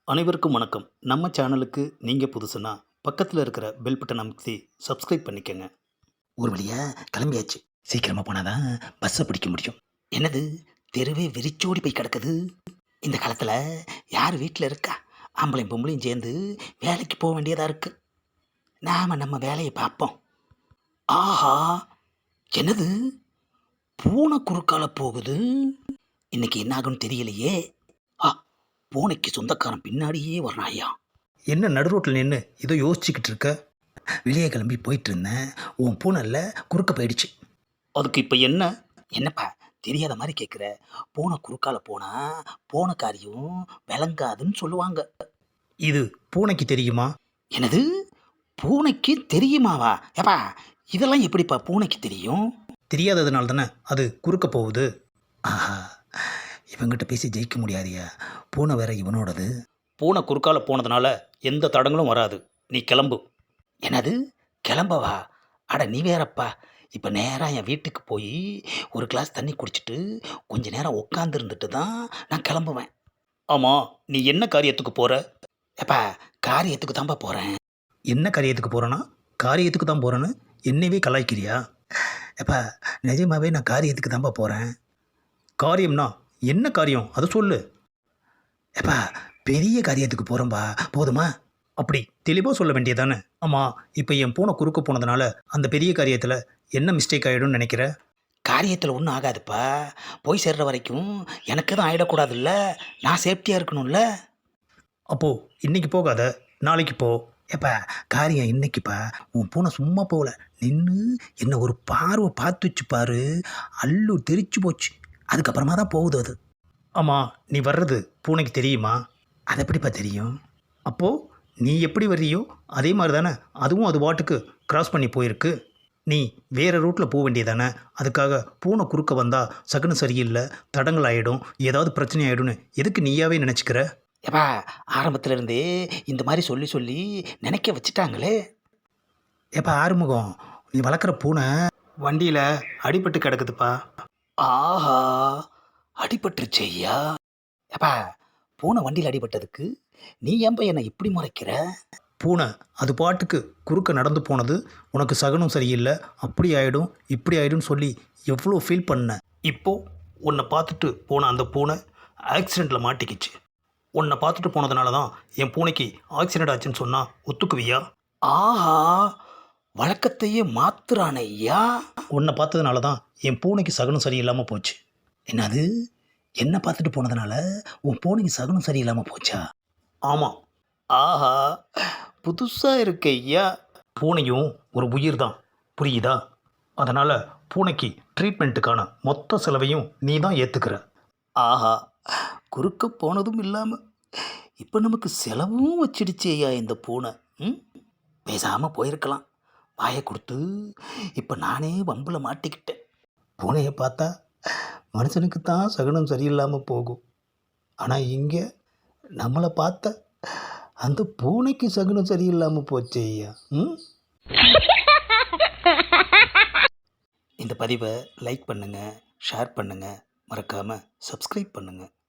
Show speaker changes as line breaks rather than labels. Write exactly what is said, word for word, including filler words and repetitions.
அனைவருக்கும் வணக்கம். நம்ம சேனலுக்கு நீங்கள் புதுசுன்னா பக்கத்தில் இருக்கிற பெல் பட்டன் அமைத்தி சப்ஸ்கிரைப் பண்ணிக்கங்க.
ஒரு வழியா கிளம்பியாச்சு. சீக்கிரமா போனாதான் பஸ்ஸை பிடிக்க முடியும். என்னது, தெருவே வெறிச்சோடி போய் கிடக்குது. இந்த காலத்தில் யார் வீட்டில் இருக்கா? ஆம்பளையும் பொம்பளையும் சேர்ந்து வேலைக்கு போக வேண்டியதாக இருக்கு. நாம நம்ம வேலையை பார்ப்போம். ஆஹா, என்னது, பூனை குறுக்கால போகுது. இன்னைக்கு என்ன ஆகும்னு தெரியலையே. ஆ, பூனைக்கு சொந்தக்காரன் பின்னாடியே வர்றாயா?
என்ன நடு ரோட்டில் நின்று ஏதோ யோசிச்சுக்கிட்டு இருக்க?
வெளியே கிளம்பி போயிட்டு இருந்தேன். உன் பூனைல குறுக்க போயிடுச்சு.
அதுக்கு இப்போ என்ன?
என்னப்பா தெரியாத மாதிரி கேட்குற? பூனை குறுக்கால போனா போன காரியம் விளங்காதுன்னு சொல்லுவாங்க.
இது பூனைக்கு தெரியுமா?
எனது பூனைக்கு தெரியுமாவா? ஏப்பா, இதெல்லாம் எப்படிப்பா பூனைக்கு தெரியும்?
தெரியாததுனால தானே அது குறுக்க போகுது.
ஆஹா, இவங்கிட்ட பேசி ஜெயிக்க முடியாதியா. பூனை வேற இவனோடது.
பூனை குறுக்கால போனதுனால எந்த தடங்களும் வராது. நீ கிளம்பு.
என்னது, கிளம்பவா? அட நீ வேறப்பா. இப்போ நேராக என் வீட்டுக்கு போய் ஒரு கிளாஸ் தண்ணி குடிச்சிட்டு கொஞ்ச நேரம் உட்காந்து இருந்துட்டு தான் நான் கிளம்புவேன்.
ஆமாம், நீ என்ன காரியத்துக்கு போகிற?
ஏப்பா, காரியத்துக்கு தான்ப்பா போகிறேன்.
என்ன காரியத்துக்கு போகிறேன்னா காரியத்துக்கு தான் போகிறேன்னு என்னையவே கலாய்க்கிறியா?
ஏப்பா, நிஜமாவே நான் காரியத்துக்கு தான்ப்பா போகிறேன்.
காரியம்னா என்ன காரியம் அதை சொல்லு.
ஏப்பா, பெரிய காரியத்துக்கு போகிறோம்பா, போதுமா?
அப்படி தெளிவாக சொல்ல வேண்டியதானே? ஆமாம், இப்போ என் பூனை குறுக்க போனதுனால அந்த பெரிய காரியத்தில் என்ன மிஸ்டேக் ஆகிடும்னு நினைக்கிற?
காரியத்தில் ஒன்றும் ஆகாதுப்பா. போய் சேர்ற வரைக்கும் எனக்கு எதுவும் ஆகிடக்கூடாதுல்ல. நான் சேஃப்டியாக இருக்கணும்ல.
அப்போது இன்னைக்கு போகாத, நாளைக்கு போ.
ஏப்பா, காரியம் இன்னைக்குப்பா. உன் பூனை சும்மா போகல, நின்று என்னை ஒரு பார்வை பார்த்து வச்சு பாரு. அல்லு தெரிச்சு போச்சு. அதுக்கப்புறமா தான் போகுது அது.
ஆமாம், நீ வர்றது பூனைக்கு தெரியுமா?
அது எப்படிப்பா தெரியும்?
அப்போது நீ எப்படி வர்றியோ அதே மாதிரி தானே அதுவும் அது வாட்டுக்கு கிராஸ் பண்ணி போயிருக்கு. நீ வேறு ரூட்டில் போக வேண்டியதானே. அதுக்காக பூனை குறுக்க வந்தால் சகுனம் சரியில்லை, தடங்கள் ஆகிடும், ஏதாவது பிரச்சனை ஆகிடும்னு எதுக்கு நீயாவே நினச்சிக்கிற?
ஏப்பா, ஆரம்பத்தில் இருந்தே இந்த மாதிரி சொல்லி சொல்லி நினைக்க வச்சுட்டாங்களே. ஏப்பா ஆறுமுகம், நீ வளர்க்குற பூனை
வண்டியில் அடிபட்டு கிடக்குதுப்பா.
ஆஹா, அடிபட்டுருச்சு ஐயா. ஏப்பா, பூனை வண்டியில் அடிபட்டதுக்கு நீ ஏன்பா என்னை இப்படி முறைக்கிற?
பூனை அது பாட்டுக்கு குறுக்க நடந்து போனது உனக்கு சகுனம் சரியில்லை, அப்படி ஆகிடும் இப்படி ஆகிடும்னு சொல்லி எவ்வளோ ஃபீல் பண்ண. இப்போது உன்னை பார்த்துட்டு போன அந்த பூனை ஆக்சிடெண்ட்டில் மாட்டிக்கிச்சு. உன்னை பார்த்துட்டு போனதுனால தான் என் பூனைக்கு ஆக்சிடெண்ட் ஆச்சுன்னு சொன்னால் ஒத்துக்குவியா?
ஆஹா, வழக்கத்தையே மாத்துறான ஐயா.
உன்னை பார்த்ததுனால தான் என் பூனைக்கு சகுனம் சரியில்லாமல் போச்சு.
என்னது, என்ன பார்த்துட்டு போனதுனால உன் பூனைக்கு சகுனம் சரியில்லாமல் போச்சா?
ஆமாம்.
ஆஹா, புதுசாக இருக்கு ஐயா.
பூனையும் ஒரு உயிர் தான், புரியுதா? அதனால் பூனைக்கு ட்ரீட்மெண்ட்டுக்கான மொத்த செலவையும் நீ தான் ஏற்றுக்கிற.
ஆஹா, குறுக்க போனதும் இல்லாமல் இப்போ நமக்கு செலவும் வச்சிடுச்சு ஐயா இந்த பூனை. ம், பேசாமல் போயிருக்கலாம். வாயை கொடுத்து இப்போ நானே வம்பில் மாட்டிக்கிட்டேன். பூனையை பார்த்தா மனுஷனுக்கு தான் சகுனம் சரியில்லாமல் போகும். ஆனால் இங்கே நம்மளை பார்த்த அந்த பூனைக்கு சகுனம் சரியில்லாமல் போச்சு ஐயா. ம், இந்த பதிவை லைக் பண்ணுங்கள், ஷேர் பண்ணுங்கள், மறக்காமல் சப்ஸ்கிரைப் பண்ணுங்கள்.